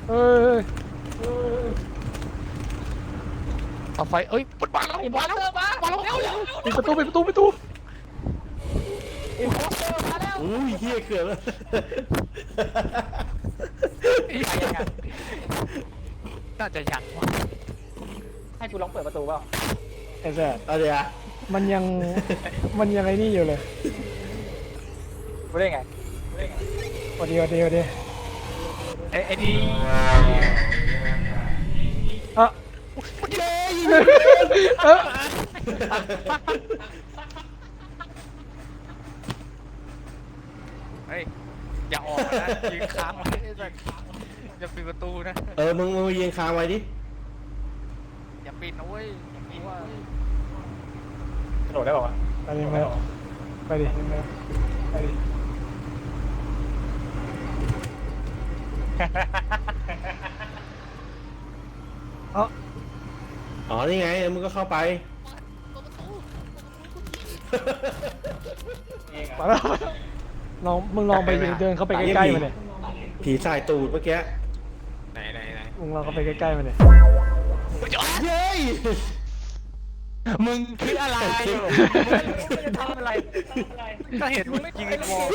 เอ้ยเอาไฟเอ้ยปดมาแล้วมาแล้วมาแล้วเร็วเร็วปิดประตูปิดประตูปิดประตูอินโพสเตอร์มาแล้วอุ้ยเฮียเกือบแล้วน่าจะยังวะให้กูลองเปิดประตูเปล่าไอ้แซ่เอาเดี๋ยวมันยังไอ้นี่อยู่เลยกูได้ไงสวัสดีสวัสดีสวัสดีไอ้นี่อ่ะเออเฮ้ยอย่าออกนะยืนค้างไว้อย่าปิดประตูนะมึงยืนค้างไว้ดิอย่าปิดนะเว้ยเพราะว่ากระโดดได้ป่าวะไปดิมาไปดิไปดิ เอ้าอ๋อนี่ไงมึงก็เข้าไปมาแล้วมึงลองไปเดินเข้าไปใกล้ๆมันเลยผีสายตูดเมื่อกี้ไหนมึงลองเข้าไปใกล้ๆมันเลยเย้ยมึงคิดอะไรไม่ได้ทำอะไรก็เห็นมึงยิงมอง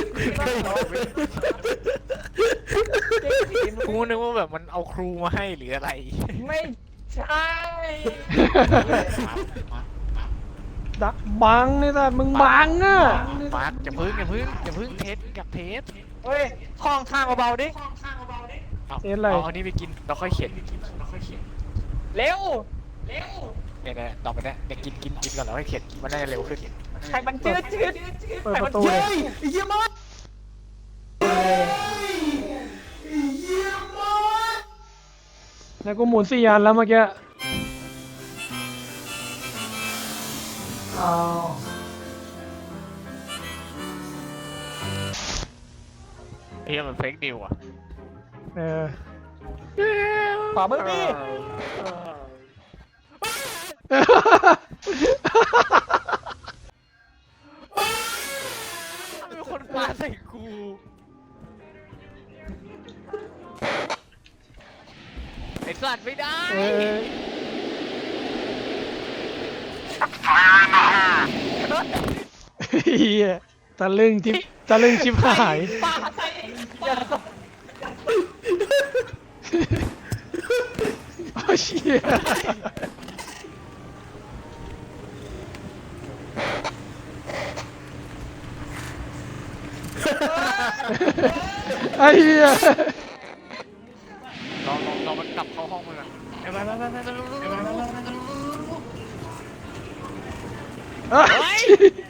กูนึกว่าแบบมันเอาครูมาให้หรืออะไรไม่ใช่ดักบังนี่แต่มึงบังอ่ะปาร์คอย่าพึ่งเทสกับเทสเฮ้ยห้องข้างเบาๆดิเอาอันนี้ไปกินเราค่อยเขียนเร็วเนี่ยต่อไปเนี่ยกินก่อนเราค่อยเขียนมันน่าจะเร็วขึ้นใครมันจืดเปิดประตูเลยเยี่ยมมากแล้วกูหมุน4 อันแล้วเมื่อกี้อ้าวเฮ้ยมันเฟกนิวอ่ะเออขวามือดิมีคนปาใส่กูไอ้สัตว์ไม่ได้เออเฮียตะลึงชิบหายปาใส่อย่าตกโอ้เชี่ยไอ้เหี้ยเรามันกลับเข้าห้องมันก่อนไปเอ้ย